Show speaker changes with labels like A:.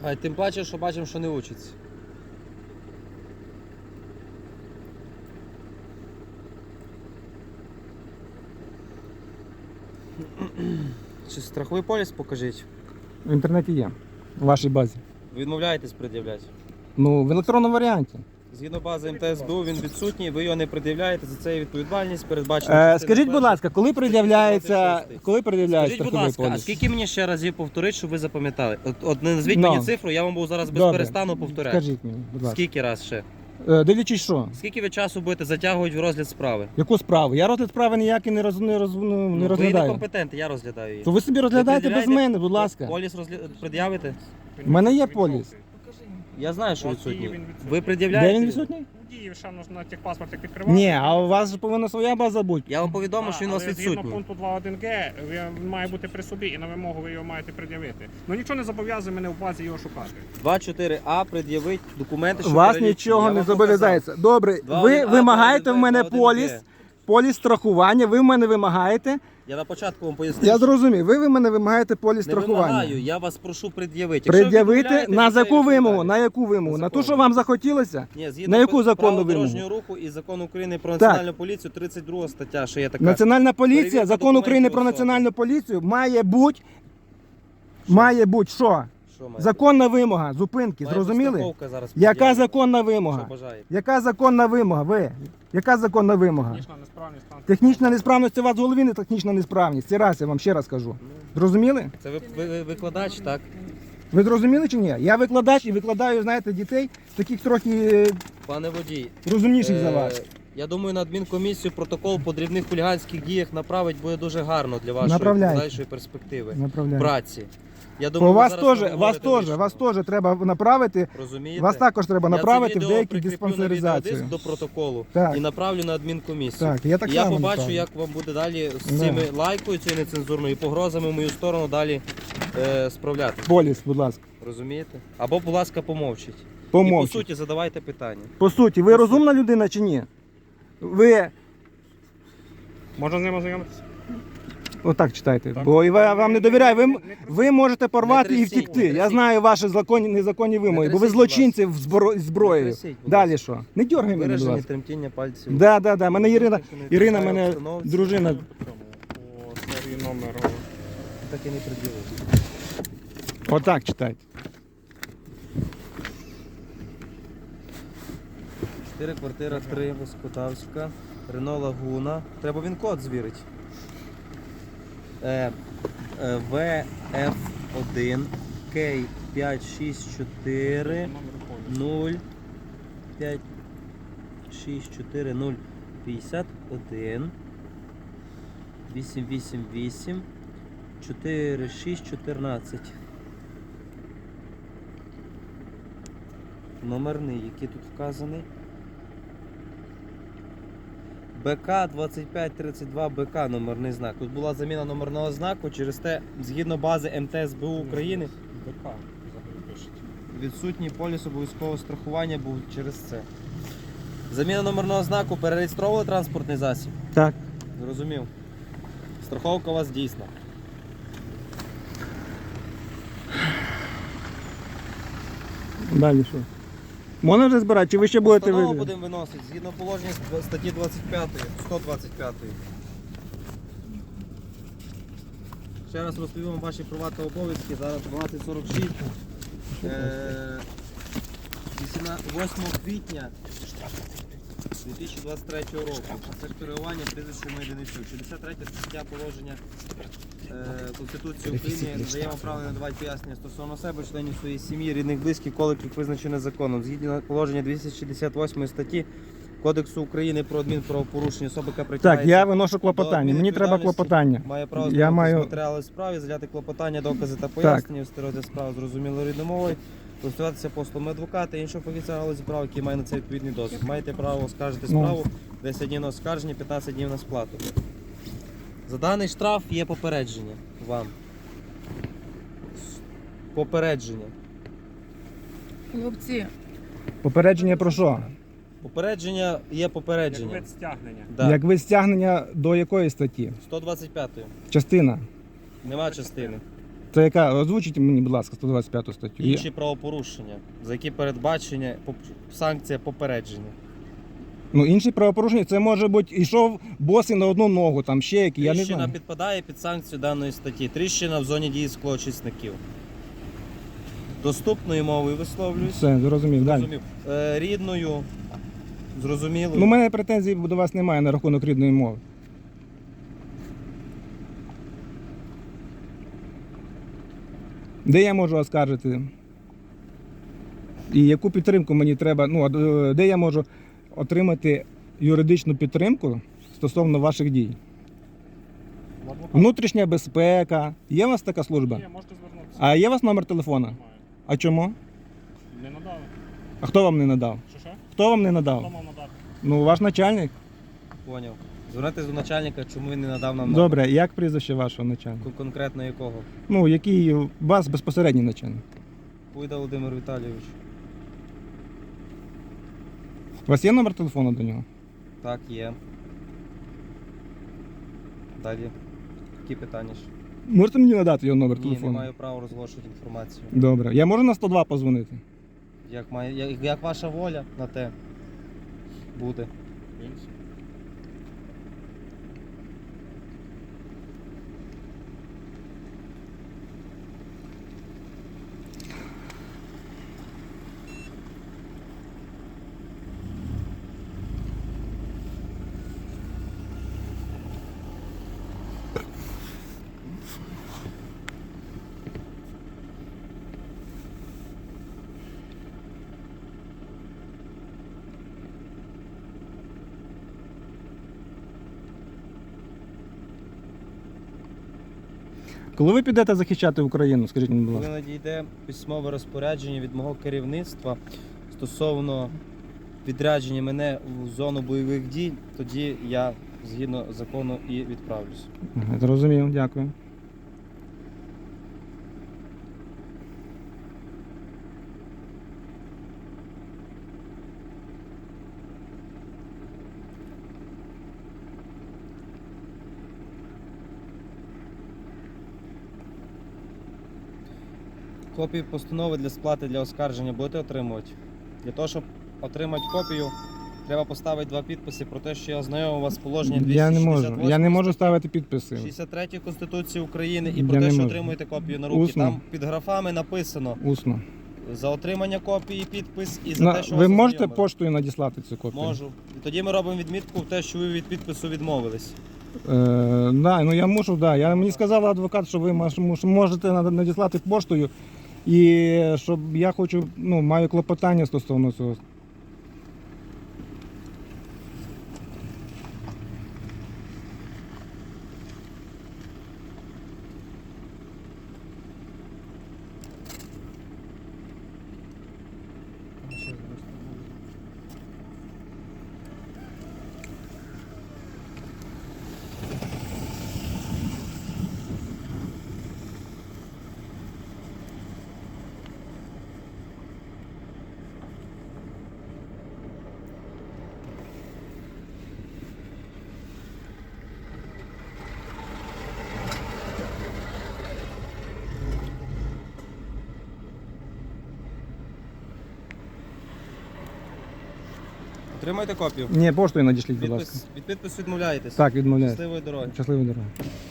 A: А тим паче, що бачимо, що не учиться. Чи страховий поліс покажіть?
B: В інтернеті є, в вашій базі.
A: Ви відмовляєтесь пред'являти?
B: Ну, в електронному варіанті.
A: Згідно бази МТСБУ він відсутній, ви його не пред'являєте, за це є відповідальність, передбачена.
B: Скажіть, будь ласка, коли пред'являється
A: Скажіть, будь
B: страховий
A: ласка, а
B: поліс?
A: скільки мені ще разів повторити, щоб ви запам'ятали? От не назвіть
B: Ну.
A: мені цифру, я вам буду зараз без
B: Добре.
A: перестану повторяти.
B: Скажіть мені, будь ласка.
A: Скільки раз ще?
B: Дивлячись що?
A: Скільки ви часу будете затягувати в розгляд справи?
B: Яку справу? Я розгляд справи ніякий не
A: Ви
B: розглядаю.
A: некомпетентний, я розглядаю її.
B: То ви собі розглядаєте без
A: пред'являєте?
B: мене, будь ласка.
A: Поліс пред'явите?
B: У мене є поліс.
A: Я знаю, що
C: У вас дії
A: відсутній.
C: він відсутній.
A: Ви
B: Де
A: пред'являєте?
B: він відсутній?
C: Дії, ще на техпаспорт як відкривати.
B: Ні, а у вас же повинна своя база бути.
A: Я вам повідомив, що він у вас
C: але згідно
A: відсутній.
C: пункту 2.1г він має бути при собі і на вимогу ви його маєте пред'явити. Ну нічого не зобов'язує мене в базі його шукати.
A: 2.4а пред'явить документи, що
B: Вас
A: перелічені.
B: нічого
A: Я
B: не
A: вам
B: зобов'язається. Добре,
A: 2.1а,
B: ви вимагаєте в мене
A: 2.1б.
B: поліс страхування, ви в мене вимагаєте.
A: Я на початку вам пояснив.
B: Я зрозумів, ви в мене вимагаєте поліс
A: Не
B: страхування.
A: вимагаю, я вас прошу пред'явити. Якщо ви
B: Пред'явити
A: відмовляєте,
B: на
A: то це
B: яку вимогу?
A: відповідальність.
B: На яку вимогу?
A: На
B: На ту,
A: законну.
B: що вам захотілося?
A: Ні, згідно
B: На яку законну
A: правил
B: вимогу?
A: дорожнього руху і закону України про
B: Так.
A: національну поліцію, 32 стаття, що є така.
B: Національна поліція,
A: Перевірка
B: закон України про
A: документів особи.
B: національну поліцію має бути що?
A: Що має
B: Законна вимога зупинки,
A: бути? Має бути
B: зрозуміли?
A: страховка зараз
B: Яка
A: пред'явлена.
B: законна
A: Що
B: вимога?
A: бажаєте?
B: Яка законна вимога? Ви? Яка законна вимога?
C: Технічна несправність там.
B: Технічна несправність, це у вас в голові не технічна несправність. Це раз, я вам ще раз кажу. Зрозуміли?
A: Це ви викладач, так?
B: Ви зрозуміли чи ні? Я викладач і викладаю, знаєте, дітей, таких трохи
A: Пане водій.
B: розумніших за вас.
A: Я думаю, на адмінкомісію протокол по дрібних хуліганських діях направить буде дуже гарно для вашої
B: Направляйте.
A: подальшої перспективи.
B: Направляю.
A: Праці. Я
B: По
A: думаю, ви
B: вас
A: зараз
B: теж,
A: нам
B: вас
A: говорите
B: теж, вас
A: лишнього.
B: теж треба направити.
A: Розумієте?
B: Вас також треба направити
A: Я
B: в
A: це відео
B: деякі
A: прикріплю на
B: диспансеризацію.
A: відеодиск до протоколу
B: Так.
A: і направлю на адмінкомісію.
B: Так, я так
A: І я
B: само
A: побачу,
B: направлю.
A: як вам буде далі з
B: Да.
A: цими лайкою цією нецензурною і погрозами в мою сторону далі справляти.
B: Поліс, будь ласка.
A: Розумієте? Або, будь ласка, помовчіть. І
B: Помовчіть.
A: по суті задавайте питання.
B: По суті, ви розумна людина чи ні? Ви
C: Можна з ним ознайомитися?
B: отак читайте,
C: Так.
B: бо вам не довіряю. Ви можете порвати
A: Не
B: і
A: трясіть,
B: втікти.
A: не
B: Я
A: трясіть.
B: знаю ваші незаконні вимоги, бо ви
A: трясіть,
B: злочинці з зброєю.
A: Не трясіть, будь
B: Далі що? Не дергай мене, будь
A: Виражені
B: ласка.
A: тремтіння пальців.
B: Да. Мене Ірина,
A: Ірина
B: мене дружина.
C: По цьому, по серії номеру.
A: Так і не приділив.
B: Отак читайте.
A: 4 квартира 3, Воскотавська, Рено Лагуна. Треба він код звірити. ВФ1 К564 0 564 051 888 4614. Номерний, який тут вказаний. БК 2532 БК номерний знак. Тут була заміна номерного знаку, через те, згідно бази МТСБУ України,
C: БК взагалі пишуть.
A: відсутній поліс обов'язкового страхування був через це. Заміна номерного знаку, перереєстровували транспортний засіб?
B: Так.
A: Зрозумів. Страховка у вас дійсна.
B: Далі що? Можна вже збирати, чи ви ще будете
A: Постанову
B: вибір?
A: будемо виносити згідно положення статті 25, 125. Ще раз розповім вам ваші права та обов'язки. Зараз 12:46. 8 квітня 2023 року. Це шпигування прізвищем Меденичук. 63 стаття положення Конституції України надає вам право надавати пояснення стосовно себе, членів своєї сім'ї, рідних, близьких, коло яких визначено законом. Згідно положення 268 статті Кодексу України про адмінправопорушення, особа, яка притягається
B: Так, я виношу
A: до
B: клопотання. Мені треба
A: адмінвідповідальності,
B: клопотання.
A: має право
B: Я
A: знайомитися
B: маю-
A: з матеріали справи, заляти клопотання, докази та пояснення, вести розгляд справи зрозумілою рідною мовою, користуватися послугами адвоката і іншого фахівця галузі права, який має на це відповідний досвід. Маєте право оскаржити
B: Ну.
A: справу, 10 днів на оскарження, 15 днів на сплату. За даний штраф є попередження вам. Попередження.
D: Хлопці,
B: Попередження про що?
A: Попередження є
C: Як
A: попередження.
C: вид стягнення.
A: Да.
B: Як ви стягнення до якої статті?
A: 125-ї.
B: Частина.
A: Нема частини.
B: Це яка? Озвучіть мені, будь ласка, 125 статтю.
A: Інші правопорушення, за які передбачення санкція попередження.
B: Ну, інші правопорушення, це може бути, йшов босий на одну ногу, там ще які, я не
A: Тріщина
B: знаю.
A: підпадає під санкцію даної статті. Тріщина в зоні дії склоочисників. Доступною мовою висловлююсь.
B: Все, зрозумів, далі.
A: Зрозумів. Рідною, зрозумілою.
B: Ну, у мене претензій до вас немає на рахунок рідної мови. Де я можу оскаржити? І яку підтримку мені треба, ну, де я можу отримати юридичну підтримку стосовно ваших дій?
C: В адвоката.
B: Внутрішня безпека. Є у вас така служба?
C: Є, можете звернутися.
B: А є у вас номер телефона?
C: Немає.
B: А чому?
C: Не надали.
B: А хто вам не надав?
C: Що?
B: Хто вам не
C: Хто
B: надав?
C: мав надати?
B: Ну, ваш начальник.
A: Поняв. Звернутися до начальника, чому він не надав нам
B: Добре, як прізвище вашого начальника?
A: конкретно якого?
B: Ну, який у вас безпосередній начальник?
A: Пуйда Володимир Віталійович.
B: У вас є номер телефону до нього?
A: Так, є. Далі. Які питання ж?
B: Можете мені надати його номер
A: Ні,
B: телефону?
A: не маю права розголошувати інформацію.
B: Добре. Я можу на 102 позвонити?
A: Як ваша воля на те буде.
B: Коли ви підете захищати Україну, скажіть мені, будь
A: Коли
B: ласка.
A: надійде письмове розпорядження від мого керівництва стосовно відрядження мене в зону бойових дій, тоді я згідно закону і відправлюсь.
B: Ага, зрозумів, дякую.
A: Копію постанови для сплати для оскарження будете отримувати? Для того, щоб отримати копію, треба поставити 2 підписи про те, що я ознайомив вас з положенням
B: Я не
A: 268
B: можу. Я не можу ставити підписи.
A: 63 Конституції України і
B: Я
A: про те,
B: не
A: що
B: можу.
A: отримуєте копію на руки.
B: Усно.
A: Там під графами написано
B: Усно.
A: за отримання копії підпис і за те, що
B: Ви
A: вас
B: можете
A: ознайомили.
B: поштою надіслати цю копію?
A: Можу. І тоді ми робимо відмітку в те, що ви від підпису відмовились.
B: Да, ну я мушу, да. Мені сказав адвокат, що ви можете надіслати поштою. І щоб я хочу, ну, маю клопотання стосовно цього.
A: Отримайте копію.
B: Ні, поштою надішліть, будь ласка.
A: Від підпису відмовляєтесь.
B: Так, відмовляю.
A: Щасливої дороги.
B: Щасливої дороги.